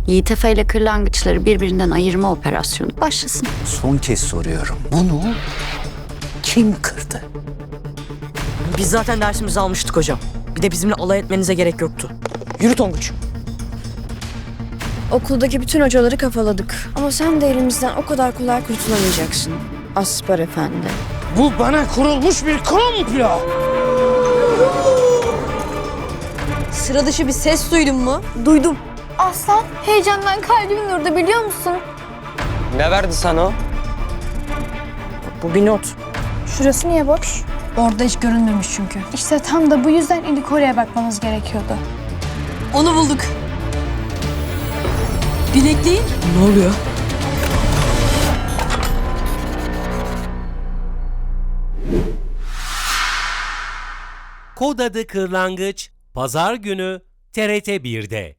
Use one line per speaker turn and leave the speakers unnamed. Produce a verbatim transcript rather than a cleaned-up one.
Yiğit Efe ile kırlangıçları birbirinden ayırma operasyonu başlasın.
Son kez soruyorum. Bunu kim kırdı?
Biz zaten dersimizi almıştık hocam. Bir de bizimle alay etmenize gerek yoktu. Yürü Tonguç.
Okuldaki bütün hocaları kafaladık. Ama sen de elimizden o kadar kolay kurtulamayacaksın. Aspar Efendi.
Bu bana kurulmuş bir komplo.
Sıra dışı bir ses duydun mu?
Duydum.
Aslan, heyecandan kalbim durdu biliyor musun?
Ne verdi sana o?
Bu bir not.
Şurası niye boş? Orada hiç görünmemiş çünkü. İşte tam da bu yüzden ilk oraya bakmamız gerekiyordu.
Onu bulduk. Bilekliğin?
Ne oluyor?
Kod adı Kırlangıç, Pazar günü T R T bir'de.